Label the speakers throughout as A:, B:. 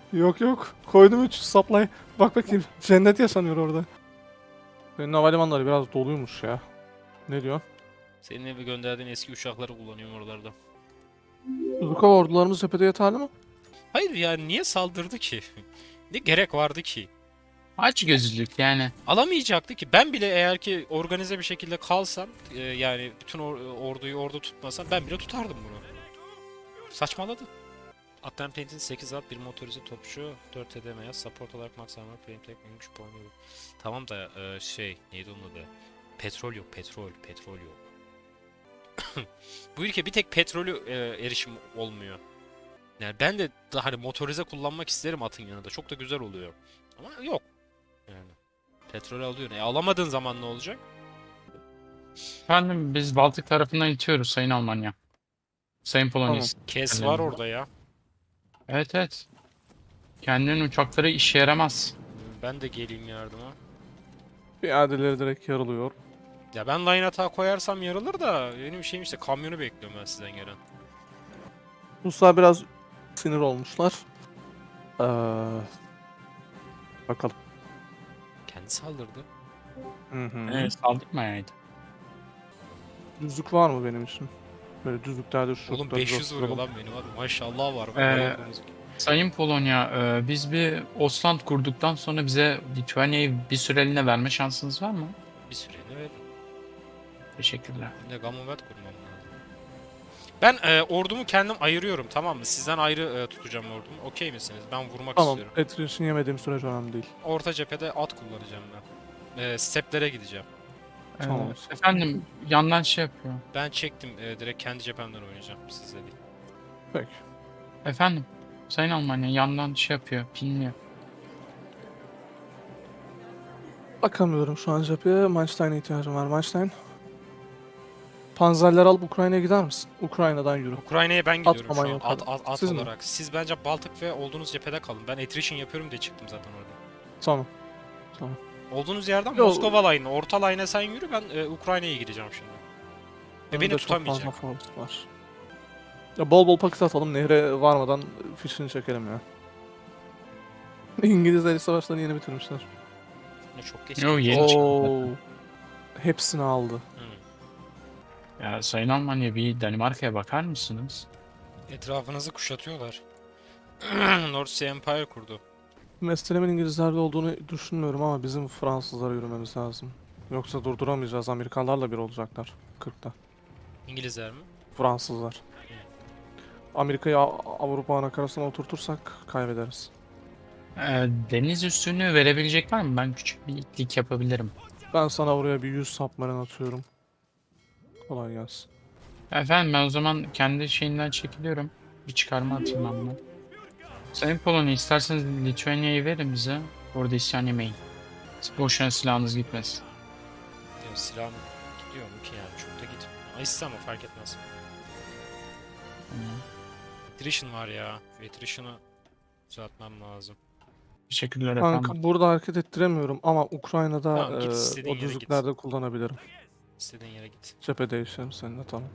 A: Yok yok. Koydum 3 supply. Bak bakayım. Cennet yaşanıyor orada. Senin havalimanları biraz doluymuş ya. Ne diyor?
B: Senin evi gönderdiğin eski uçakları kullanıyorum oralarda.
A: Zukov ordularımız cephede yeterli mi?
B: Hayır yani niye saldırdı ki? Ne gerek vardı ki?
C: Aç gözlülük yani.
B: Alamayacaktı ki. Ben bile eğer ki organize bir şekilde kalsam yani bütün orduyu orada tutmasam ben bile tutardım bunu. Saçmaladı. Atlan Paint'in 8 at, bir motorize topçu, 4 HDM'ye support olarak max armor, frame tek 3 puan yok. Tamam da neydi onun adı? Petrol yok, petrol yok. Bu ülke bir tek petrolü erişim olmuyor. Yani ben de daha hani motorize kullanmak isterim atın yanında. Çok da güzel oluyor. Ama yok. Yani petrol alıyor. Alamadığın zaman ne olacak?
C: Efendim biz Baltık tarafından itiyoruz Sayın Almanya. Sayın Polonya.
A: Tamam.
B: Kes var orada ya.
C: Evet evet. Kendinin uçakları işe yaramaz.
B: Ben de geleyim yardıma.
A: Piyadeleri direkt yarılıyor.
B: Ya ben line attack koyarsam yarılır da benim şeyim işte kamyonu bekliyorum ben sizden gelen.
A: Ruslar biraz sinir olmuşlar. Ee, bakalım.
B: Kendi saldırdı.
A: Hı hı.
C: Evet saldırmayaydı.
A: Düzlük var mı benim için? Böyle düzlüklerde şu
B: Oğlum 500 vuruyor lan benim hadi maşallah var. Bayıldığımız gibi.
C: Sayın Polonya, biz bir Osland kurduktan sonra bize Litvanya'yı bir süreliğine verme şansınız var mı?
B: Bir süreliğine verdim.
C: Teşekkürler.
B: Bir de Commonwealth kurmam lazım. Ben ordumu kendim ayırıyorum tamam mı? Sizden ayrı tutacağım ordumu. Okey misiniz? Ben vurmak
A: Tamam.
B: istiyorum.
A: Attrition yemediğim sürece önemli değil.
B: Orta cephede at kullanacağım ben. Steplere gideceğim.
A: Tamam.
C: Efendim yandan şey yapıyor.
B: Ben çektim direkt kendi cephemden oynayacağım sizle değil.
A: Peki.
C: Efendim Sayın Almanya yandan şey yapıyor, pinliyor.
A: Bakamıyorum şu an cepheye. Manstein'e ihtiyacım var. Manstein. Panzerler alıp Ukrayna'ya gider misin? Ukrayna'dan yürü.
B: Ukrayna'ya ben gidiyorum
A: Atmaman
B: şu an
A: yok
B: at
A: Siz mi?
B: olarak. Siz bence Baltık ve olduğunuz cephede kalın. Ben attrition yapıyorum diye çıktım zaten orada.
A: Tamam. Tamam.
B: Olduğunuz yerden
A: Yo-
B: Moskova line'ı, orta line'a sen yürü ben Ukrayna'ya gideceğim şimdi. Ve beni
A: Önümde çok fazla
B: tutamayacak.
A: force var. Ya bol bol paket atalım. Nehre varmadan fişini çekelim ya. İngilizler İç savaşlarını yeni bitirmişler.
B: Ne çok geç.
C: Yo,
B: gelmiş.
C: yeni çıktı
A: Oo.
C: zaten.
A: Hepsini aldı.
B: Hı.
C: Ya Sayın Almanya bir Danimarka'ya bakar mısınız?
B: Etrafınızı kuşatıyorlar. North Sea Empire kurdu.
A: Meselemin İngilizlerde olduğunu düşünmüyorum ama bizim Fransızlara yürümemiz lazım. Yoksa durduramayacağız. Amerikanlarla bir olacaklar. 40'ta.
B: İngilizler mi?
A: Fransızlar. Amerika'yı Avrupa anakarasına oturtursak kaybederiz.
C: Deniz üstünü verebilecek var mı? Ben küçük bir itlik yapabilirim.
A: Ben sana oraya bir 100 submarine atıyorum. Kolay gelsin.
C: Efendim ben o zaman kendi şeyinden çekiliyorum. Bir çıkarma atayım ben buna. Sayın Polonya isterseniz Litvanya'yı verin bize. Orada isyan yemeyin. Boşuna silahınız gitmesin.
B: Ya silahım gidiyor mu ki yani çok da gitmiyor. Ama İstemem fark etmez.
C: Tamam.
B: Attrition var ya. Şu attrition'ı düzeltmem lazım.
C: Teşekkürler efendim.
A: Kanka burada hareket ettiremiyorum ama Ukrayna'da
B: Tamam, git istediğin
A: o
B: yere git.
A: düzlüklerde kullanabilirim.
B: İstediğin yere git.
A: Cephe değişelim seninle tamam.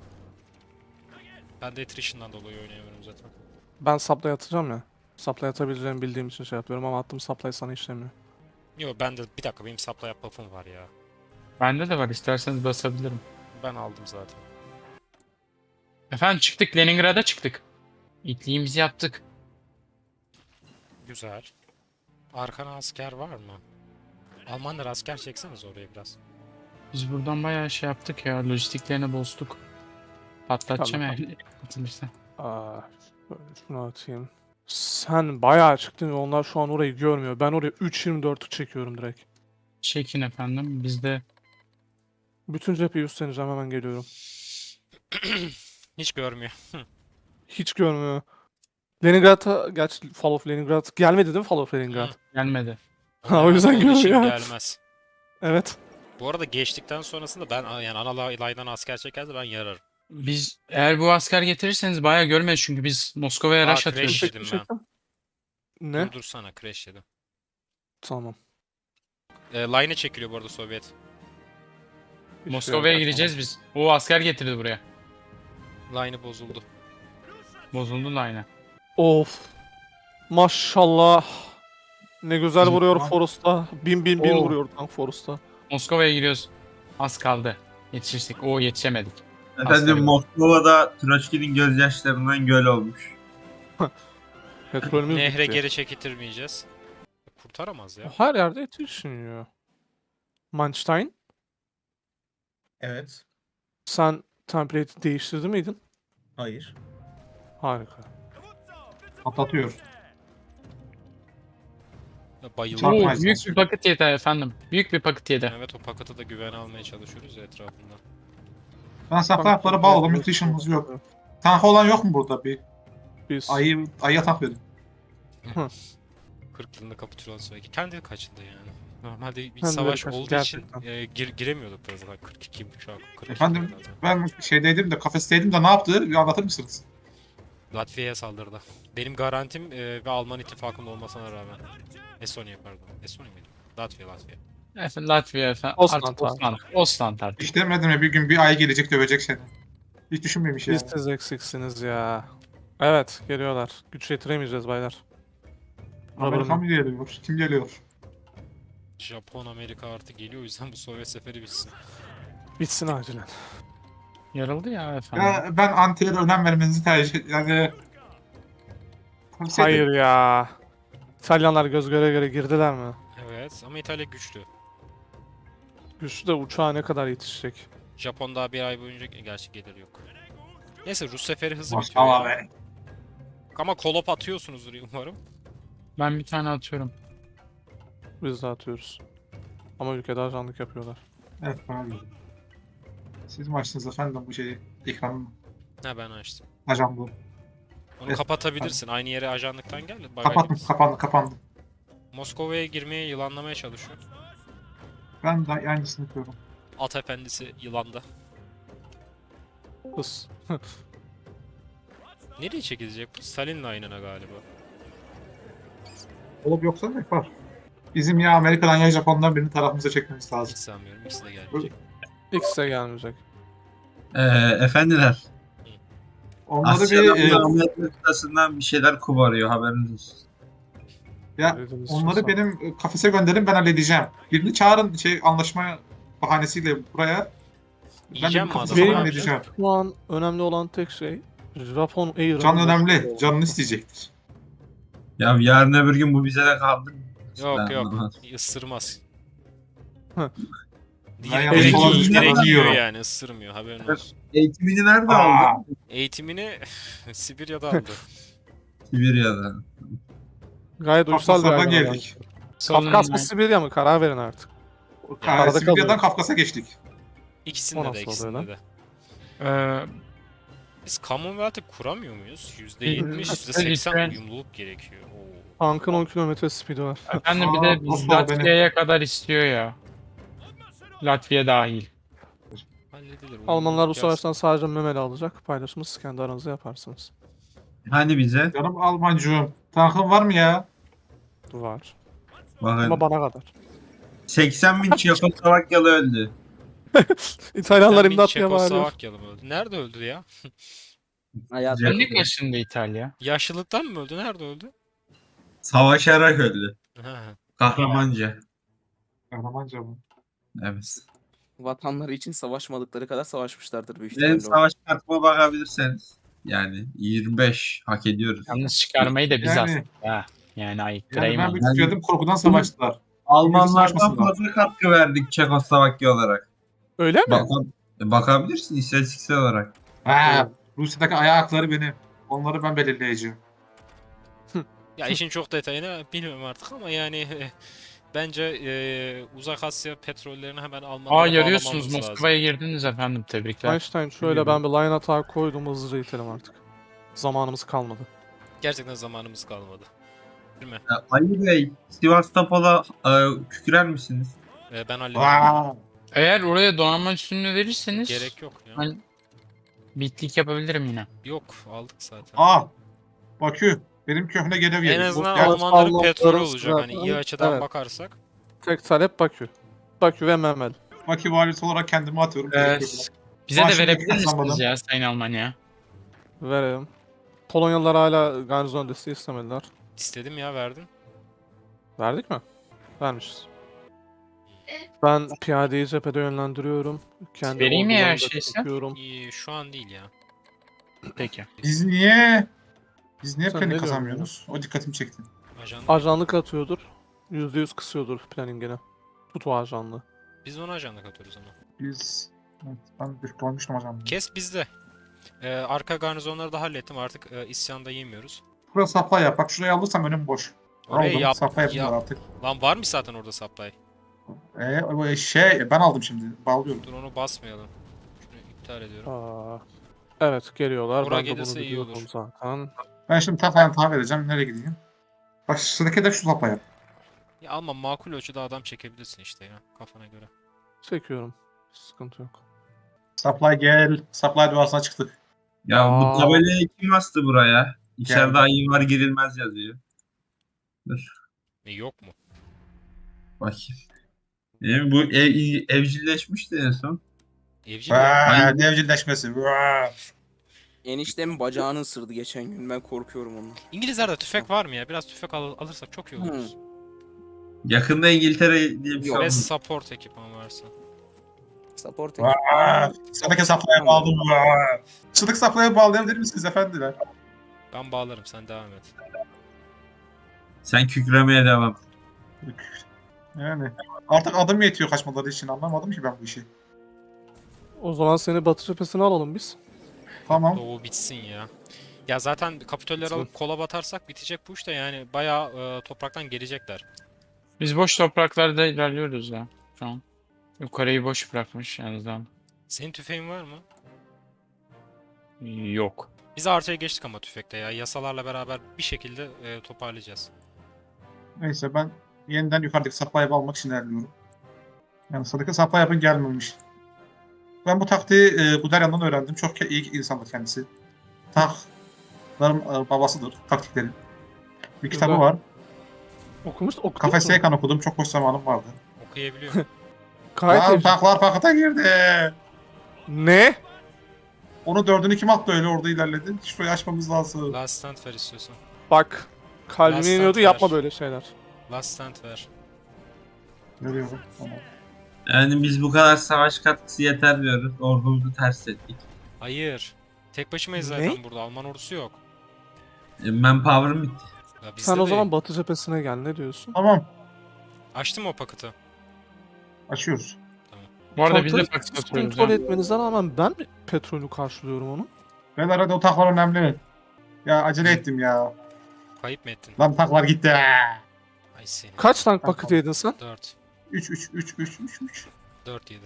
B: Ben de attrition'dan dolayı oynayamıyorum zaten.
A: Ben supply atacağım ya. Supply atabileceğimi bildiğim için şey yapıyorum ama attığım supply sana işlemiyor.
B: Yo ben de bir dakika benim supply buff'ım var ya.
C: Bende de var isterseniz basabilirim.
B: Ben aldım zaten.
C: Efendim çıktık Leningrad'a çıktık. İtliğimizi yaptık.
B: Güzel. Arkana asker var mı? Almanlar asker çekseniz oraya biraz.
C: Biz buradan bayağı şey yaptık ya lojistiklerini bozduk. Patlatacağım
A: Tamam.
C: eğer atılırsa.
A: Aa, şöyle şunu atayım. Sen bayağı çıktın ve onlar şu an orayı görmüyor. Ben oraya 3.24'ü çekiyorum direkt.
C: Çekin efendim biz de
A: Bütün cepheyi üstleneceğim hemen geliyorum.
B: Hiç görmüyor.
A: Hiç görmüyor. Leningrad'a, gerçi Fall of Leningrad gelmedi değil mi Fall of Leningrad?
B: Hı.
C: gelmedi.
A: Ha, o yüzden
B: Onun için
A: görmüyor.
B: gelmez.
A: Evet.
B: Bu arada geçtikten sonrasında ben yani ana laydan asker çekerse ben yararım.
C: Biz eğer bu asker getirirseniz bayağı görmeyiz çünkü biz Moskova'ya
B: Aa,
C: rush atıyoruz.
B: crash yedim ben.
A: Çektim. Ne?
B: Durdursana crash yedim.
A: Tamam.
B: Line'e çekiliyor bu arada Sovyet.
A: Hiçbir
C: Moskova'ya
A: yere
C: gireceğiz biz. O asker getirdi buraya.
B: Line'ı bozuldu.
C: Bozuldu da aynı.
A: Of. Maşallah. Ne güzel
C: Bizim
A: vuruyor
C: falan-
A: Forrest'a. Bin
C: Oo.
A: vuruyor tank Forrest'a.
C: Moskova'ya giriyoruz. Az kaldı. Yetişirsek. Oo, yetişemedik.
D: Efendim
C: Aslanım.
D: Moskova'da Troçki'nin gözyaşlarından göl olmuş.
A: Petrolümüz
B: Nehre
A: bitti.
B: geri çekilmeyeceğiz. Kurtaramaz ya.
A: Her yerde yetişmiyor. Manstein,
E: Evet.
A: sen template'i değiştirdi miydin?
E: Hayır.
A: Harika.
F: Patlatıyor.
B: Bayıldı.
F: Çok-
C: Oo,
F: Çarpmayız
C: büyük
F: lazım.
C: bir paket yedi efendim. Büyük bir paket yedi.
B: Evet, o paketi da güvene almaya çalışıyoruz ya etrafında.
F: Ben tanklara bağladım. Nutrition'ımız yok. Tank olan yok mu burada? Bir
A: Biz
F: ayıya tank verin.
B: 40 yılında kapitülasyon. Kendi kaçındı yani. Normalde bir
A: Kendileri
B: savaş
A: kaçındı,
B: olduğu için
A: gerçekten.
B: giremiyorduk da zaten 42 şu an 42
F: Efendim?
B: zaten.
F: Ben şeydeydim de kafesteydim de ne yaptı? Bir anlatır mısınız?
B: Latvia'ya saldırdı. Benim garantim ve Alman ittifakında olmasına rağmen. Estonya pardon. Estonya mıydı? Latvia.
C: Efendim, Latvia efendim.
A: Osland
C: Artık
A: abi.
C: Osland artık.
F: Hiç demedim ya bir gün bir ay gelecek dövecek seni. Hiç düşünmemiş yani.
A: Biz siz eksiksiniz ya. Evet geliyorlar. Güç yetiremeyeceğiz baylar.
F: Amerika mı geliyor? Kim geliyor?
B: Japon, Amerika artık geliyor. O yüzden bu Sovyet seferi bitsin.
A: Bitsin acilen.
C: Yarıldı ya efendim.
F: Ya, ben antilere önem vermenizi tercih yani. Tavsiye ederim.
A: Hayır ya. İtalyanlar göz göre göre girdiler mi?
B: Evet ama İtalya güçlü.
A: Güçlü de uçağa ne kadar yetişecek?
B: Japon daha bir ay boyunca gerçi gelir yok. Neyse Rus seferi hızlı bitiyor
F: Maşallah
B: ya.
F: be.
B: Ama kolop atıyorsunuzdur umarım.
C: Ben bir tane atıyorum.
A: Biz de atıyoruz. Ama ülkede ajanlık yapıyorlar.
F: Evet bana göre. Siz mi açtınız efendim bu şeyi? Ekranı.
B: Ha, ben açtım.
F: Ajan bu.
B: Onu
F: Evet.
B: kapatabilirsin. Aynı yere ajanlıktan gel.
F: Kapattım, kapandı.
B: Moskova'ya girmeye yılanlamaya çalışıyor.
F: Ben de aynısını yapıyorum.
B: At efendisi yılanda.
A: Hız.
B: Nereye çekilecek bu? Stalin'le aynına galiba.
F: Olup yoksa ne yapar? Bizim ya Amerika'dan ya Japon'dan birini tarafımıza çekmemiz
B: Hiç
F: lazım.
B: sanmıyorum. İkisi de gelmeyecek.
A: X'e gelmeyecek.
D: Efendiler.
F: Onları
D: Asya'dan
F: bir
D: da Amerika kıtasından bir şeyler koparıyor haberiniz olsun.
F: ya
A: Dediğiniz
F: onları
A: şey
F: benim kafese gönderin ben halledeceğim. Birini çağırın anlaşma bahanesiyle buraya. Ben
B: Yiyeceğim
F: bir
B: mi
F: kafese
B: adamı?
F: falan
A: Benim
F: halledeceğim.
A: şu an önemli olan tek şey Japon Air'ın...
F: Can önemli. Canını isteyecektir.
D: Ya yarın öbür gün bu bize de kaldı.
B: Yok
D: Ben
B: yok.
D: anlamadım.
B: Isırmaz.
A: Hı.
F: Ben
B: Direkt,
F: yanlış
B: direkt,
D: olan
B: direkt
D: bir
B: yiyor
F: yiyorum.
B: yani, ısırmıyor, haberin olsun.
D: Eğitimini nerede
F: Aa,
D: aldı?
B: Eğitimini Sibirya'da aldı.
D: Sibirya'da.
A: Gayet uysal bir
F: Kafkaslardan
A: ayrım.
F: geldik.
A: Kafkas mı Sibirya mı? Karar verin artık. Arada
F: Sibirya'dan
A: kalıyor.
F: Kafkas'a geçtik.
B: İkisinde
A: O
B: de,
A: nasıl
B: ikisinde
A: oluyor
B: de.
C: Ee,
B: Biz Commonwealth'ı kuramıyor muyuz?
A: Hı.
B: %70, %80
C: Lütfen.
B: uyumluluk gerekiyor. Oo.
A: Tankın 10 kilometre speed'i var.
C: efendim bir
F: Aa,
C: de
F: nasıl oldu
C: Latvia'ya kadar istiyor ya. Latvia dahil.
B: Halledilir.
A: Almanlar bu
B: uyumluluk
A: savaştan sadece memeli alacak. Paylaşımı kendi aranızda yaparsınız.
D: Hani bize?
F: Canım Almancığım. Tankın var mı ya?
A: Var.
D: Bakın
A: Ama bana kadar.
D: 80 bin Çekoslovakyalı öldü.
A: İtalyanlar
B: Sen bir
A: imdat diye bağırıyor.
B: Çekoslovakyalı mı öldü? Nerede öldü ya?
E: Hayat.
D: Japonya.
C: Ne kaçındı İtalya?
B: Yaşlılıktan mı öldü? Nerede öldü?
D: Savaşarak öldü.
B: Ha.
D: Kahramanca.
F: Kahramanca mı?
D: Evet.
E: Vatanları için savaşmadıkları kadar savaşmışlardır büyük
D: Benim
E: ihtimalle.
D: savaş kartıma bakabilirseniz. Yani 25 hak ediyoruz.
C: Yalnız çıkarmayı da biz
F: Yani-
C: astık ha. Yani ayıp
F: Yani ben
C: Krayman.
F: bir tükirdim korkudan savaştılar.
D: Almanlardan
F: savaşmasınlar.
D: fazla katkı verdik Çekoslovakya olarak.
A: Öyle mi?
D: Bakabilirsin istatistiksel olarak.
F: Ha, Rusya'daki ayakları benim. Onları ben belirleyeceğim.
B: Ya işin çok detayını bilmiyorum artık ama yani bence Uzak Asya petrollerini hemen Almanlara
C: Aa, yarıyorsunuz.
B: bağlamamız lazım.
C: Moskova'ya girdiniz efendim. Tebrikler.
A: Einstein şöyle ben bir line atar koydum hızlıca itelim artık. Zamanımız kalmadı.
B: Gerçekten zamanımız kalmadı. Değil mi?
D: Ali Bey, Sivastopol'a kükrer misiniz?
B: Ben hallederim.
F: Aa,
C: Eğer oraya donanma üstünlüğü verirseniz
B: Gerek yok ya.
C: ben bitlik yapabilirim yine.
B: Yok, aldık zaten.
F: aa. Bakü. Benim köhne gelev
B: En
F: yedim.
B: azından
F: Ya,
B: Almanların
A: Almanların
B: petrolü olacak
A: zaten-
B: hani iyi açıdan
A: evet.
B: bakarsak.
A: Tek talep Bakü. Bakü ve Memel.
F: Bakü valisi olarak kendimi atıyorum.
C: Bize de
F: Maaşını
C: verebilir misiniz
F: kazanmadım.
C: ya Sayın Almanya?
A: Verelim. Polonyalılar hala garnizon desteği istemediler.
B: İstedim ya, verdin.
A: Verdik mi? Vermişiz. Ben piyadeyi cephede yönlendiriyorum. Kendi
C: Vereyim mi ya
A: ordularımı da
C: şeyse?
A: çekiyorum.
B: İyi, şu an değil ya.
C: Peki.
F: Biz niye
A: Sen
F: planning
A: ne diyorsun
F: kazanmıyoruz? O dikkatimi çekti.
B: Ajan.
A: Ajanlık atıyordur. %100 kısıyordur planning'ini. Tut o ajanlığı.
B: Biz ona ajanlık atıyoruz ama.
F: Biz... Evet, ben bir koymuştum hocam.
B: Kes bizde. Arka garnizonları da hallettim, artık isyanda yemiyoruz.
F: Burası supply yap. Bak şurayı alırsam önüm boş.
B: Orayı
F: Aldım.
B: yap.
F: Supply yapayım
B: yap.
F: artık.
B: Lan var mı zaten orada supply?
F: Ben aldım şimdi. Bağlıyorum.
B: Dur, onu basmayalım. Şunu iptal ediyorum.
A: Aa, evet geliyorlar.
B: Oraya
A: Ben de bunu
B: gelirse iyi
A: biliyordum
B: olur.
A: zaten.
F: Ben şimdi tam vereceğim. Nereye gideyim? Bak sıradaki de şu supply yap.
B: Ya ama makul ölçüde adam çekebilirsin işte ya, kafana göre.
A: Çekiyorum. Sıkıntı yok.
F: Supply gel. Supply duasına çıktık.
D: Ya
A: Aa.
D: bu tabelayı kim astı buraya? İçeride
F: Geldi.
D: ayı var girilmez yazıyor. Dur
B: Yok mu?
D: bakayım. Bu evcilleşmişti en son.
B: Evcil ya.
D: Aynen.
F: Devcilleşmesi.
E: Eniştemin bacağını ısırdı geçen gün. Ben korkuyorum ondan.
B: İngilizlerde tüfek var mı ya? Biraz tüfek alırsak çok iyi oluruz.
D: Yakında İngiltere diye bir şey
E: Yok.
B: Ve
D: oldu.
B: support ekipman varsa.
E: Support
F: Sıradaki supply'a bağladım. Sıradaki supply'a bağlayabilir misiniz efendiler?
B: Ben bağlarım, sen devam et.
D: Sen kükremeye devam.
F: Yani artık adım yetiyor kaçmaları için. Anlamadım ki ben bu işi.
A: O zaman seni batı cephesine alalım biz.
F: Tamam.
B: Doğu bitsin ya. Ya zaten kapitölleri alıp kola batarsak bitecek bu iş de, yani bayağı topraktan gelecekler.
C: Biz boş topraklarda ilerliyoruz ya şu an. Yukarıyı boş bırakmış en azından.
B: Senin tüfeğin var mı?
C: Yok.
B: Biz artıya geçtik ama tüfekte ya. Yasalarla beraber bir şekilde toparlayacağız.
F: Neyse ben yeniden yukarıdaki supply'ı almak için ilerliyorum. Yani sıradaki supply yapın gelmemiş. Ben bu taktiği Guderian'dan öğrendim. Çok iyi insandır kendisi. Tankların babasıdır taktiklerin. Bir kitabı
A: Güzel.
F: var.
A: Okudun
F: Kafes
A: mu?
F: Seykan okudum. Çok boş zamanım vardı.
B: Okuyabiliyor.
A: Gayet
F: Lan
A: evcil.
F: tanklar pakete girdi.
A: Ne?
F: Onu dördünü kim attı öyle orada ilerledi? Şurayı açmamız lazım.
B: Last stand ver istiyorsan.
A: Bak. Kalbime
B: Last
A: iniyordu
B: stand
A: yapma
B: ver.
A: böyle şeyler.
B: Last stand ver.
F: Görüyorum. Tamam.
D: Yani biz bu kadar savaş katkısı yeter diyoruz. Ordumuzu ters ettik.
B: Hayır. Tek başımayız
A: Ne?
B: zaten burada. Alman ordusu yok.
D: Manpower'ım bitti.
B: Ya bizde
A: Sen o
B: değil.
A: zaman batı cephesine gel. Ne diyorsun?
F: Tamam.
B: Açtım o paketi.
F: Açıyoruz.
C: Bu arada biz de
A: Tankları
C: paket
A: siz
C: atıyoruz
A: kontrol
C: ya.
A: etmenize rağmen ben mi petrolü karşılıyorum onu?
F: Beyler hadi o tanklar önemli. Ya acele ettim ya.
B: Kayıp mı ettin?
F: Lan tanklar gitti.
B: Ay seni.
A: Kaç tank
F: Tamam.
A: paketi yedin sen?
B: 4.
F: 3.
B: 4 yedi.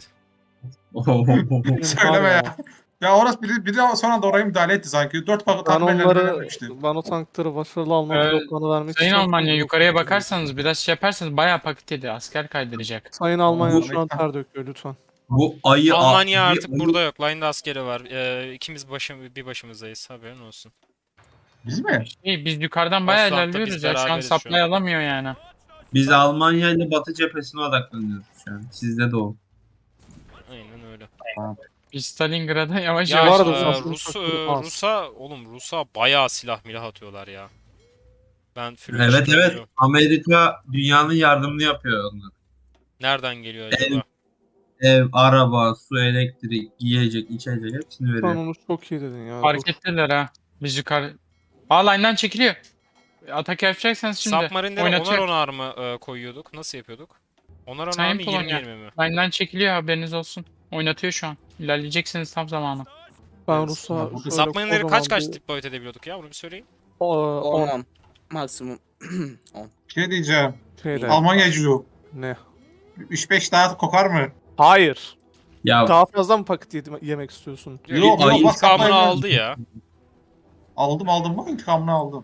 F: Söyleme
A: Var
F: ya. Ya orası biri sonra da oraya müdahale etti sanki. 4
A: Ben
F: takım ellerine
A: onları,
F: vermemişti.
A: ben o tankları başarılı alma
C: Ee,
A: bloklarını vermek
C: Sayın
A: istiyorum.
C: Almanya yukarıya bakarsanız biraz şey yaparsanız bayağı paket yedi. Asker kaydıracak.
A: Sayın Almanya
F: Bu-
A: şu an ter döküyor lütfen.
D: Bu ayı...
B: Almanya
D: bir
B: artık
D: ayı-
B: burada yok. Line'da askeri var. İkimiz bir başımızdayız. Haberin olsun.
F: Biz mi?
C: Biz yukarıdan bayağı
B: Aslan'da
C: ilerliyoruz
B: biz
C: ya. Şu an
B: beraberiz şu
C: supply
B: an.
C: alamıyor yani.
D: Biz Almanya ile Batı cephesine odaklanıyoruz şu an. Sizde de o.
B: Aynen öyle.
C: Biz Stalingrad'a yavaş
B: Ya
C: yavaş
A: arada
C: gidiyoruz.
A: zaten çok az.
B: Rus'a bayağı silah milah atıyorlar ya. Ben
D: Evet evet. Amerika dünyanın yardımını yapıyor onlar.
B: Nereden geliyor acaba?
D: Ev, araba, su, elektrik, yiyecek, içecek hepsini
A: Sen
D: veriyor.
A: onu çok iyi dedin ya.
C: Fark
A: dur.
C: ettiler ha. Biz yukarı... Aa line'dan çekiliyor. Atak yapacaksanız şimdi
B: Submarine'lere onar
C: oynatıyor.
B: onar mı koyuyorduk? Nasıl yapıyorduk? Onar
C: Sayın
B: onar mı,
C: Polonya.
B: 20-20 mi?
C: Line'dan çekiliyor haberiniz olsun. Oynatıyor şu an. İlerleyeceksiniz tam zamanı.
A: Ben
B: Evet.
A: Rus'a
F: Ya bu
A: şöyle
B: Submarine'leri kaç
A: kocaman bir-
B: deploy edebiliyorduk ya? Bunu bir söyleyin.
A: 10
E: 10. Maksimum 10.
F: Şey diyeceğim.
A: şeyde.
F: Almanyacılığı.
A: Ne?
F: 3-5 daha kokar mı?
A: Hayır.
D: Ya
A: Daha fazla mı paket yemek istiyorsun?
F: Yok,
D: ayı
F: bak,
B: İntikamını
F: supply
B: aldı ya.
F: Aldım bak intikamını aldım.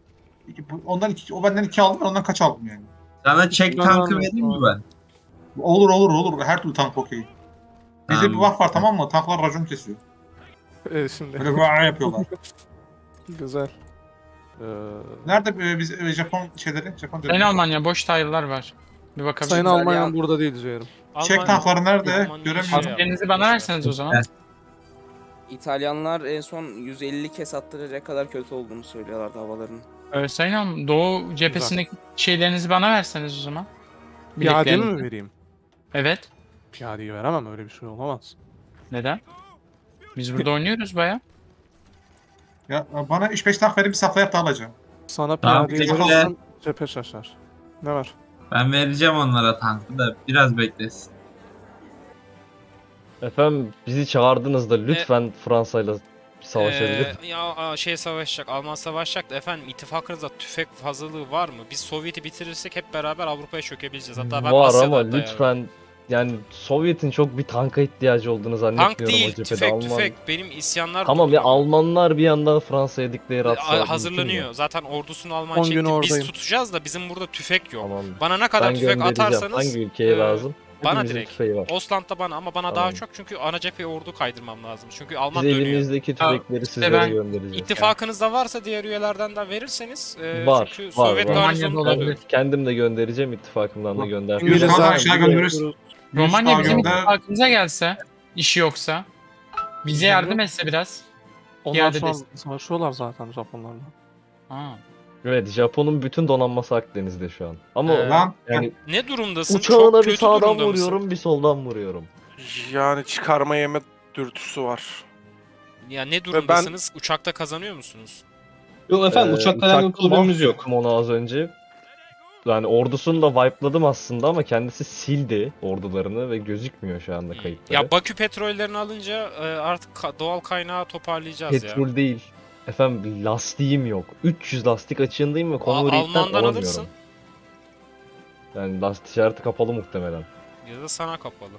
F: O benden 2 aldım ben ondan kaç aldım yani.
D: sana çek
A: Ben
D: tankı
A: anladım.
D: vereyim mi ben?
F: Olur. Her türlü tank okey. Bizde bir
D: Tamam.
F: buff var tamam mı? Tanklar racon kesiyor.
A: Şimdi.
F: Böyle böyle yapıyorlar.
A: Güzel.
F: Nerede biz Japon şeyleri? Japon
C: Sayın Almanya boş tile'lar var. Bir bakabilir
A: Sayın
C: misiniz?
A: Almanya'nın
E: ya.
A: burada değil ciğerim.
F: Çek tankları nerede?
B: Almanya
F: Göremiyorum.
B: şey
C: Askerinizi bana verseniz o zaman.
E: İtalyanlar en son 150 kez attıracak kadar kötü olduğunu söylüyorlardı havalarının.
C: Sayın Hanım, Doğu cephesindeki şeylerinizi bana verseniz o zaman.
A: Piyade mi
C: Birliklerinizi.
A: vereyim?
C: Evet.
A: Piyadeyi veremem, öyle bir şey olamaz.
C: Neden? Biz burada oynuyoruz baya.
F: Ya bana 3-5 tank verin bir safla yap da alacağım.
A: Sana
D: Tamam,
A: piyadeyi
D: bekle.
A: verirsem cephe şaşar. Ne var?
D: Ben vereceğim onlara tankı da biraz beklesin.
G: Efendim bizi çağırdınız da lütfen Fransa'yla savaşabilir.
B: Savaşacak, Alman savaşacak da efendim ittifakınızda tüfek fazlalığı var mı? Biz Sovyet'i bitirirsek hep beraber Avrupa'ya çökebileceğiz. Hatta ben
G: Var
B: Asya'da
G: ama
B: hatta
G: lütfen yani Sovyet'in çok bir tanka ihtiyacı olduğunu zannetmiyorum
B: Tank değil,
G: o cephede.
B: tüfek,
G: Alman...
B: tüfek. Benim isyanlar
G: Tamam ya
B: durduruyor.
G: Almanlar bir yandan Fransa'ya declare atsa mümkün
B: Hazırlanıyor.
G: mü?
B: Zaten ordusunu Alman
A: 10 gün
B: çekti. Biz
A: oradayım.
B: tutacağız da bizim burada tüfek yok.
G: Tamam.
B: Bana ne kadar
G: Ben
B: tüfek
G: göndereceğim.
B: atarsanız
G: Hangi ülkeye
B: e,
G: lazım?
B: bana
G: Hepimizin
B: direkt.
G: tüfeği var.
B: Ostland'da bana ama bana daha
G: Tamam.
B: çok çünkü ana cepheye ordu kaydırmam lazım. Çünkü
G: Biz
B: Alman dönüyor.
G: elimizdeki tüfekleri sizlere
C: ben
G: göndereceğiz.
B: İttifakınızda varsa diğer üyelerden de verirseniz
G: Var,
B: çünkü
G: var,
B: Sovyet
G: var.
B: garnizonu
C: Romanya'da
B: oluyor.
C: olabilir.
G: Kendim de göndereceğim, ittifakımdan da gönderdim.
F: İngilizler
A: İngilizler
F: aşağı göndeririz.
C: Romanya bizim
F: Yunanistan'da-
C: ittifakımıza gelse, işi yoksa, bize yardım etse biraz.
A: Onlar
C: Piyade
A: şu an
C: destek.
A: savaşıyorlar zaten Japonlarla.
C: Ha.
G: Evet, Japon'un bütün donanması Akdeniz'de şu an. Ama
F: Lan
G: yani
B: Ne durumdasın?
G: uçağına
B: Çok
G: bir
B: kötü
G: sağdan
B: durumda mısın?
G: vuruyorum, bir soldan vuruyorum.
H: Yani çıkarma yeme dürtüsü var.
B: Ya ne durumdasınız? Uçakta kazanıyor musunuz?
I: Yok efendim uçakla alakalı problemimiz yok.
G: mahvettim onu az önce. Yani ordusunu da wipe'ladım aslında ama kendisi sildi ordularını ve gözükmüyor şu anda kayıtları.
B: Ya Bakü petrollerini alınca artık doğal kaynağı toparlayacağız ya.
G: Petrol değil. Efendim lastiğim yok. 300 lastik açığındayım ve Convoy'den
B: Alman'dan
G: alamıyorum.
B: alırsın
G: Yani lastik işareti kapalı muhtemelen.
B: ya da sana kapalı.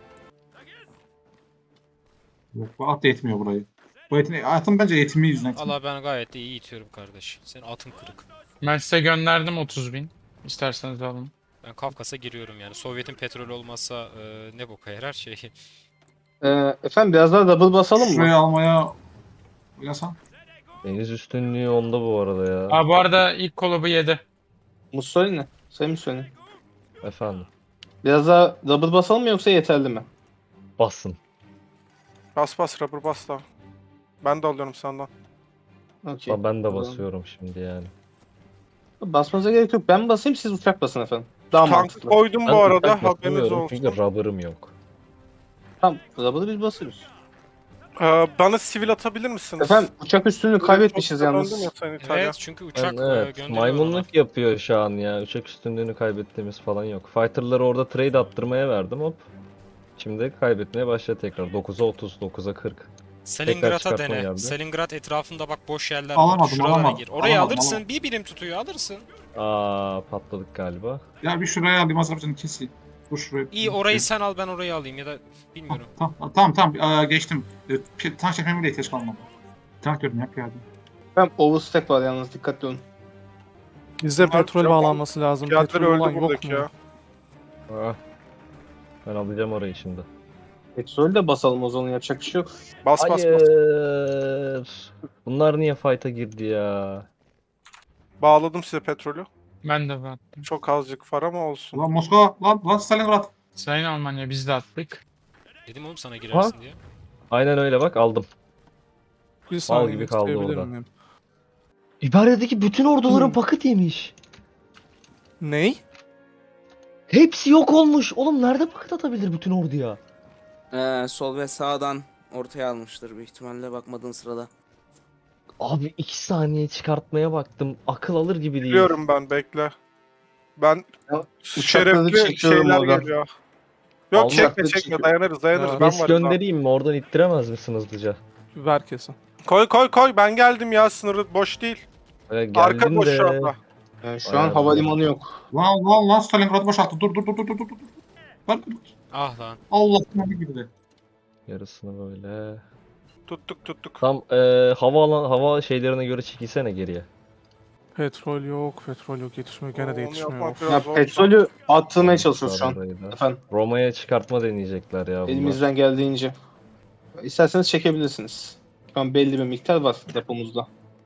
F: yok, bu at da etmiyor burayı. Bu atın bence eğitimi yüzünden.
B: Valla ben gayet de iyi itiyorum kardeş. Senin atın kırık.
C: Ben size gönderdim 30.000. İsterseniz alın.
B: Ben Kafkas'a giriyorum yani. Sovyet'in petrolü olmazsa ne boka yarar şey.
I: Efendim biraz daha double basalım mı?
F: Şurayı almaya oynasam.
G: Deniz üstünlüğü onda bu arada ya.
C: Bu arada ilk kolabı yedi.
I: Mussolini. Sayın Mussolini.
G: Efendim.
I: Biraz daha double basalım mı yoksa yeterli mi?
G: Basın.
H: Bas bas rubber bas da. Ben de alıyorum senden.
I: Okey.
G: Ben de
I: Tamam.
G: basıyorum şimdi yani.
I: Basmanıza gerek yok. Ben basayım siz uçak basın efendim. Daha
H: Tankı
I: mantıklı.
H: koydum
G: Ben
H: bu arada
G: uçak
H: haberiniz
G: basamıyorum
H: olsun.
G: çünkü rubber'ım yok.
I: Tamam. Double'ı biz basıyoruz.
H: Bana sivil atabilir misiniz?
I: Efendim uçak üstünlüğü kaybetmişiz
H: Döndüm
I: yalnız.
H: ya Sayın İtalya.
B: Evet çünkü uçak
G: Evet,
B: gönderiyor ona.
G: maymunluk yapıyor şu an ya. Uçak üstünlüğünü kaybettiğimiz falan yok. Fighter'ları orada trade attırmaya verdim hop. Şimdi kaybetmeye başladı tekrar. 9'a 30, 9'a 40.
B: Stalingrad'a
G: çıkartma
B: dene.
G: geldi.
B: Stalingrad etrafında bak boş yerler
F: Alamadım,
B: var. Şuralara
F: alamadım.
B: gir. Orayı
F: Alamadım,
B: alırsın.
F: alamadım.
B: Bir birim tutuyor alırsın.
G: Patladık galiba.
F: Ya bir şuraya alayım Azerbaycan'ı keseyim. Dur şuraya.
B: İyi orayı sen al ben orayı alayım ya da bilmiyorum.
F: Tamam, geçtim. Tank çekmeme bile ihtiyaç kalmadı. Tank diyorum ya piyade.
I: Efendim overstack var yalnız dikkatli olun.
A: Bizde
H: Bunlar
A: petrol
H: Japon
A: bağlanması lazım.
H: Piyadeler
A: Petrol olan
H: öldü
A: yok
H: buradaki
A: mu?
H: ya.
G: Ah. Ben alacağım orayı şimdi.
I: Petrolü de basalım o zaman yapacak bir şey yok.
H: Bas bas bas.
G: Hayır. Bunlar niye fight'a girdi ya?
H: Bağladım size petrolü.
C: Ben de attım.
H: Çok azıcık var ama olsun.
F: Lan Moskova, lan Stalingrad.
C: Sayın Almanya biz de attık.
B: Dedim oğlum sana girersin diye.
G: Aynen öyle bak aldım.
A: Bir saniye
G: gibi kaldı
A: isteyebilir
G: orada.
A: miyim?
G: İbaredeki bütün orduların paket yemiş.
A: Ney?
G: Hepsi yok olmuş. Oğlum nerede paket atabilir bütün orduya?
E: Sol ve sağdan ortaya almıştır büyük ihtimalle bakmadığın sırada.
G: Abi 2 saniye çıkartmaya baktım. Akıl alır gibi değil.
H: Biliyorum ben bekle. Ben
I: Ya,
H: şerefli
I: çekiyorum
H: şeyler
I: oradan.
H: geliyor. Yok
G: Allah
H: çekme
I: aşkına
H: çekme
I: çekiyorum.
H: dayanırız
A: Ya,
H: ben
G: Kes
H: varım.
G: göndereyim mi? Oradan ittiremez misin hızlıca?
A: Ver kesin.
H: Koy ben geldim ya sınırı boş değil. Arka
G: Geldin
H: boş
G: de.
H: şu anda.
I: Yani şu
G: Ay
I: an
G: Allah.
I: havalimanı yok.
F: Lan Stalingrad boşalttı. Dur. Lan
B: Ah lan.
F: Allah'ım bir girdi.
G: Yarısını böyle.
H: Tuttuk.
G: Tam hava şeylerine göre çekilsene geriye.
A: Petrol yok yetişmiyor. Gene de
H: Onu
A: yetişmiyor.
H: yapmak
A: Of.
H: biraz
I: Ya
H: zor.
I: petrolü attırmaya çalışıyoruz şu an.
G: Orayı da.
I: Efendim
G: Roma'ya çıkartma deneyecekler ya bunlar.
I: elimizden geldiğince. İsterseniz çekebilirsiniz. Şu an belli bir miktar var depomuzda.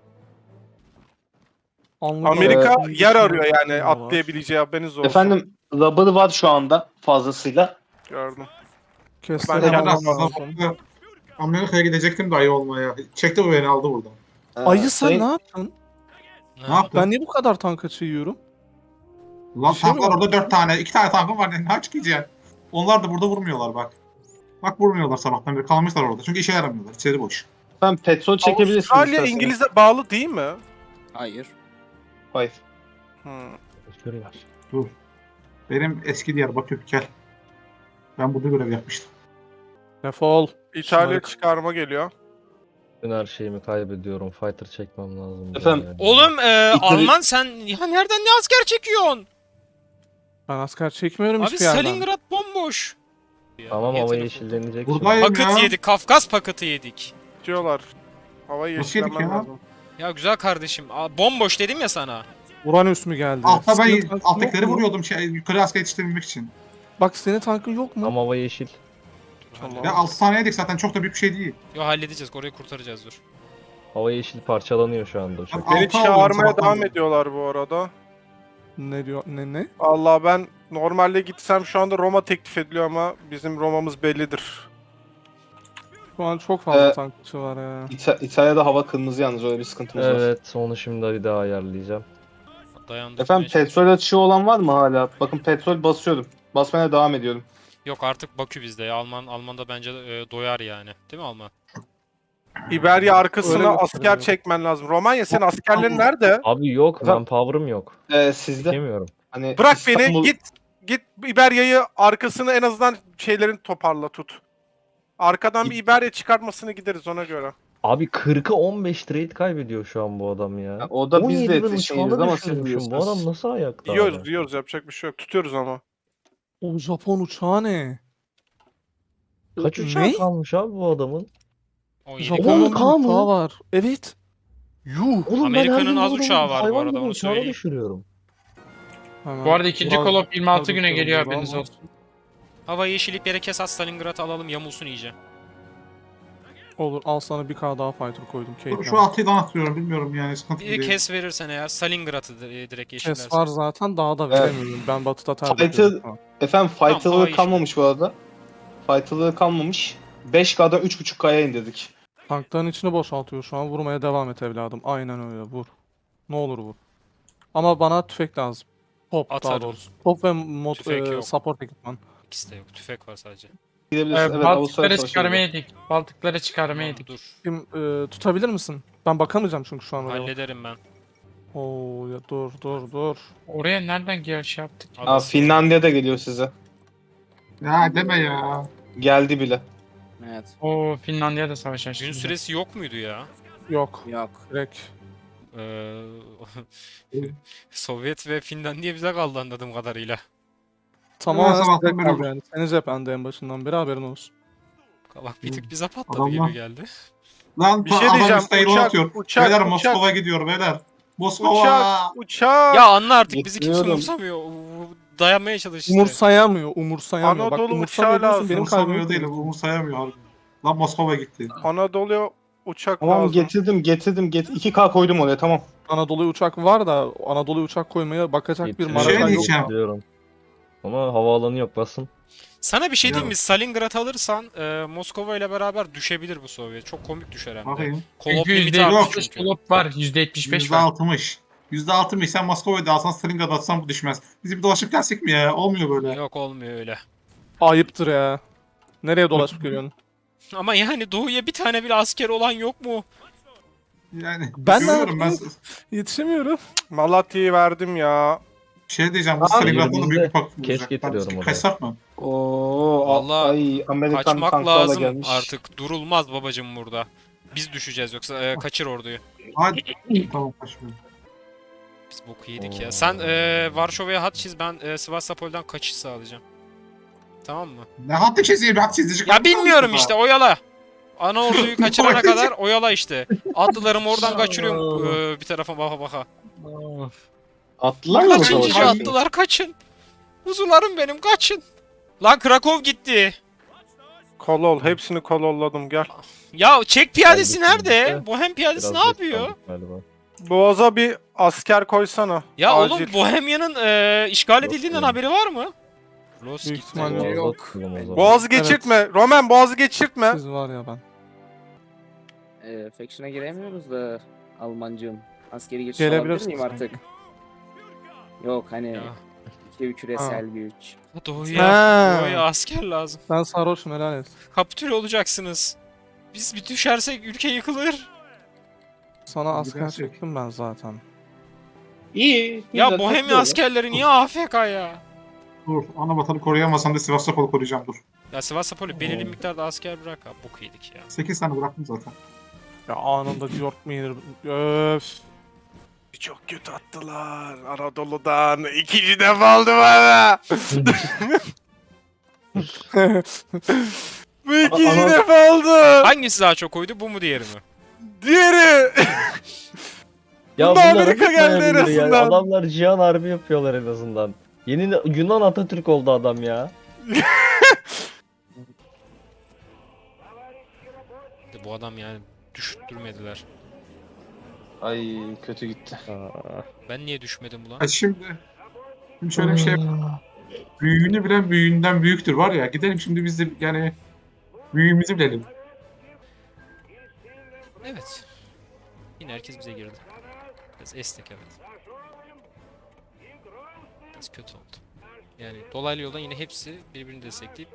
A: Anlık
H: Amerika
A: olarak
H: yer arıyor yani
A: düşünüyorlar.
H: atlayabileceği haberiniz olsun.
I: Efendim rubber var şu anda fazlasıyla.
H: Gördüm.
A: Kesleri
H: Ben
A: almam
H: yapamam.
A: lazım.
F: Amerika'ya gidecektim de ayı olmaya. Çekti bu beni aldı buradan.
A: Ayı sen
I: Sayın-
A: ne yaptın?
F: Ne yaptın?
A: Ben niye bu kadar tank açığı yiyorum?
F: Lan
A: Bir şey
F: tank var
A: mi
F: orada 4 tane. 2 tane tankım var. Ne aç gideceksin? Onlar da burada vurmuyorlar bak. Bak vurmuyorlar sabahtan beri. Kalmışlar orada. Çünkü işe yaramıyorlar. İçeri boş.
I: Efendim petrol çekebilirsiniz
H: Avustralya
I: isterseniz.
H: İngiliz'e bağlı değil mi?
E: Hayır.
I: Hayır.
H: Hmm.
F: Dur. Benim eski Diyarbakır gel. Ben burada görev yapmıştım.
A: Defol.
H: İtalya
A: Şunları-
H: çıkarma geliyor.
G: Ben her şeyimi kaybediyorum. Fighter çekmem lazım.
I: Efendim,
G: yani.
B: Oğlum Alman sen ya nereden ne asker çekiyorsun?
A: Ben asker çekmiyorum
B: Abi
A: hiçbir yerden.
B: Stalingrad bomboş. Ya,
G: Tamam
B: niye
G: hava
B: telefon-
G: yeşillenecek
F: Buradayım
G: şimdi.
B: Paket
F: ya.
B: yedik. Kafkas paketi yedik.
H: Diyorlar. Havayı
F: Nasıl yedik
H: yeşillenmen
F: ya?
H: lazım.
B: Ya güzel kardeşim. Bomboş dedim ya sana.
A: Uranüs mü geldi?
F: Altta
A: Senin
F: ben
A: tankın
F: alttakileri
A: yok mu?
F: vuruyordum yukarı asker yetiştirebilmek için.
A: Bak senin tankın yok mu?
G: Ama hava yeşil.
H: Tamam.
F: Ya 6 tane yedik zaten çok da büyük bir şey değil.
B: Yo halledeceğiz. Orayı kurtaracağız dur.
G: Hava yeşil parçalanıyor şu anda uçak.
F: Bak,
H: Beni
F: altı alıyorum
H: çağırmaya
F: sabahtan
H: devam
F: beri.
H: ediyorlar bu arada.
A: Ne diyor? Ne?
H: Allah ben normalde gitsem şu anda Roma teklif ediliyor ama bizim Roma'mız bellidir.
A: Şu an çok fazla
I: Ee,
A: tankçı var ya.
I: İtalya'da hava kırmızı yalnız öyle bir sıkıntımız var.
G: Evet onu şimdi bir daha ayarlayacağım.
B: Dayandık.
I: Efendim petrol açığı olan var mı hala? Bakın petrol basıyorum. Basmaya devam ediyorum.
B: Yok artık Bakü bizde ya. Alman'da bence doyar yani. Değil mi Alman?
H: İberya
A: Öyle
H: arkasına asker
A: gösteriyor.
H: çekmen lazım. Romanya senin askerlerin nerede?
G: Abi yok
I: Efendim?
G: manpower'ım yok.
I: Sizde
G: Çekemiyorum.
I: hani
H: Bırak
I: İstanbul-
H: beni git İberya'yı arkasını en azından şeylerin toparla tut. Arkadan bir İberya çıkartmasını gideriz ona göre.
G: Abi 40'a 15 trade kaybediyor şu an bu adam ya.
I: Ya o da biz de
G: 17 bin
I: yetişeyiz
G: uçağını
I: ama siz
G: düşürmüşüm. Bu
I: biliyorsunuz.
G: adam nasıl ayakta
H: Yiyoruz
G: abi?
H: yiyoruz yapacak bir şey yok. Tutuyoruz ama.
A: O Japon uçağı ne?
G: Kaç
A: Ne?
G: uçağı kalmış abi bu adamın?
B: 17.
A: Japon'un bir
G: 10K mı?
A: uçağı var. Evet. Yuh.
G: Oğlum ben her
B: Amerika'nın
G: gün
B: az
G: bu adamın
B: uçağı var bu
G: hayvan
B: arada,
G: gibi
B: onu
G: uçağını
B: söyleyeyim.
G: düşürüyorum.
A: Hemen
C: Bu arada ikinci
A: biraz
C: kolop 26
A: yukarı
C: güne geliyor
A: bakıyorum
C: haberiniz
A: ama-
C: olsun.
B: Hava yeşilip yere kes Stalingrad'ı alalım yamulsun iyice.
A: Olur al sana bir K daha fighter koydum. Keyiflen.
F: Şu 6'dan atıyorum bilmiyorum yani sıkıntı
B: Bir
F: değil.
B: kes verirsen eğer Stalingrad'ı direkt yeşillersen.
A: Kes var zaten daha da
I: Evet.
A: veremiyorum. Ben batıda tercih
I: Fighter-
A: ediyorum. Ha.
I: Efendim
B: hava
I: fighter'ları
B: yeşil.
I: kalmamış bu arada. Fighter'ları kalmamış. 5K'dan 3.5K'ya indirdik.
A: Tankların içini boşaltıyor şu an. Vurmaya devam et evladım. Aynen öyle vur. Ne olur vur. Ama bana tüfek lazım. Top daha
B: Atarım.
A: doğrusu. Top ve
B: Tüfek yok.
A: support ekipman.
B: İkisi de yok. Tüfek var sadece.
I: Gidebiliriz. Evet, Avustralya
C: Baltıkları
I: Savaşı
C: çıkarmaya
I: gibi.
C: yedik. Baltıkları çıkarmaya
B: Tamam,
C: yedik.
B: dur.
A: Kim tutabilir misin? Ben bakamayacağım çünkü şu an oraya.
B: Hallederim ben.
A: Oo ya dur.
C: Oraya nereden giriş yaptık?
I: Aa, Finlandiya'da geliyor size.
F: Ya deme ya.
I: Geldi bile.
E: Evet.
C: Oo Finlandiya'da savaş açtı.
B: Gün
C: bize.
B: süresi yok muydu ya?
A: Yok.
E: Yok.
A: Direkt.
B: Ee, Sovyet ve Finlandiya bize kaldı anladığım kadarıyla.
A: Tamamen
F: sabahtan
A: size
F: beri-
A: kaldı yani. Senin cephende en başından beri haberin olsun.
B: Bak bir tık bize patladı
F: Adamlar-
B: gibi geldi.
F: Lan
H: Bir şey
F: adam
H: diyeceğim.
F: üstte yılan atıyor. Beyler
H: Uçak.
F: Moskova gidiyor beyler. Moskova.
H: Uçak.
B: Ya anla artık bizi kimse
I: Getiriyorum.
B: umursamıyor. Dayanmaya çalış işte.
A: Umursamıyor. Bak
H: Anadolu
A: umursamıyor
H: uçağı
A: diyorsun,
H: lazım.
A: benim
F: Umursamıyor
A: kalbim
F: değil, umursayamıyor abi. Lan Moskova gitti.
H: Anadolu'ya uçak
I: Tamam
H: lazım.
I: getirdim. 2K koydum oraya tamam.
A: Anadolu uçak var da Anadolu uçak koymaya bakacak bir
G: Getiriyorum,
F: Şey
A: marakan yok.
F: diyeceğim.
G: getiriyorum. Ama havaalanı yok basın.
B: Sana bir şey diyeyim
F: Ya.
B: mi? Stalingrad alırsan Moskova ile beraber düşebilir bu Sovyet. Çok komik düşer hem de.
F: Bakayım.
B: Kolop
C: Çünkü
B: limiti artmış
C: %75
B: çünkü.
C: kolop var. %75 var.
F: %60. %60 sen Moskova'da alsan Stalingrad'da atsan bu düşmez. Biz bir dolaşıp gelsek mi ya? Olmuyor böyle.
B: Yok olmuyor öyle.
A: Ayıptır ya. Nereye dolaşıp geliyorsun?
B: Ama yani doğuya bir tane bile asker olan yok mu?
F: Yani
A: Ben ne
F: görüyorum ben.
A: yapayım? Yetişemiyorum.
H: Malatya'yı verdim ya.
F: Şey diyeceğim bu Stalingrad'da da büyük bir paket
G: Kes
F: olacak.
G: getiriyorum
F: Ben
G: oraya.
F: kaçsak mı?
I: Oo,
B: Vallahi
I: ay Amerikan
B: Kaçmak
I: tanklarla
B: lazım
I: gelmiş.
B: artık. Durulmaz babacım burada. Biz düşeceğiz yoksa kaçır orduyu.
F: Hadi. Tamam kaçmıyorum.
B: Biz boku yedik
G: Oo.
B: ya. Sen Varşova'ya hat çiz, ben Sivastopol'dan kaçış sağlayacağım. Tamam mı?
F: Ne hattı çizeyim? Hat çizici.
B: Ya bilmiyorum işte oyala. Ana orduyu kaçırana kadar oyala işte. Atlılarımı oradan kaçırıyorum bir tarafa baka baka.
I: Attılar mı
B: Kaçın cici
I: savaşa?
B: atlılar kaçın. Kuzularım benim kaçın. Lan Krakow gitti.
H: Kolol. Hepsini kololladım gel.
B: Ya Çek piyadesi
G: Geldik
B: nerede?
G: şimdi.
B: Bohem piyadesi
G: Biraz
B: ne
G: geç
B: yapıyor?
G: kaldık galiba.
H: Boğaz'a bir asker koysana.
B: Ya
H: Acil.
B: oğlum Bohemya'nın işgal
G: Yok
B: edildiğinden
G: yani.
B: haberi var mı? Los
A: Büyük
B: gitti.
A: ihtimalle
G: Boğazda
A: yok.
G: tutalım o zaman.
H: Boğaz'ı geçirtme. Roman Boğaz'ı geçirtme.
A: Siz var ya ben.
E: Faction'a giremiyoruz da Almancığım. Askeri geçiş alabilir
A: Gelebilirsin
E: miyim artık? Yok hani
B: Ya.
E: iki küresel güç.
B: Doğuya asker lazım.
A: Ben sarhoşum, helal et.
B: Kapitüle olacaksınız. Biz bir düşersek ülke yıkılır.
A: Sana asker
F: Gidersek.
A: çektim ben zaten.
I: İyi.
B: Ya
I: güzel,
B: Bohemya
I: takılıyorlar.
B: askerleri niye AFK ya?
F: Dur. Ana vatanı koruyamazsam da Sivastopol'u koruyacağım dur.
B: Ya Sivastopol'ü belirli miktarda asker bırak abi. Bok yedik ya.
F: 8 tane bıraktım zaten.
A: Ya anında York mu yenir? Öf.
H: Çok kötü attılar Anadolu'dan. 2. defa oldu bana. Bu 2. defa oldu.
B: Hangisi daha çok oydu? Bu mu diğeri mi?
H: Diğeri.
G: Ya
H: Bunda
G: bunlar
H: Amerika
G: hafif
H: geldi en
G: dayanabilir ya.
H: azından.
G: Adamlar cihan harbi yapıyorlar en azından. Yeni Yunan Atatürk oldu adam ya.
B: Bu adam yani düşürtmediler.
I: Ay kötü gitti.
G: Aa.
B: Ben niye düşmedim ulan?
F: Ha şimdi şöyle bir şey büyüğünü bilen büyüğünden büyüktür var ya. Gidelim şimdi biz de yani büyüğümüzü bilelim.
B: Evet. Yine herkes bize girdi. Biraz esnek evet. Biraz kötü oldu. Yani dolaylı yoldan yine hepsi birbirini destekleyip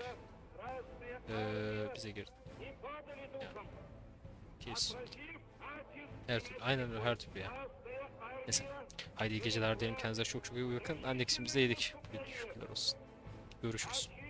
B: bize girdi. Yani, kesin. Her türlü, aynen öyle her türlü ya. Neyse. Haydi iyi geceler diyelim. Kendinize çok çok iyi bakın. Annex'imizi de yedik. Şükürler olsun. Görüşürüz.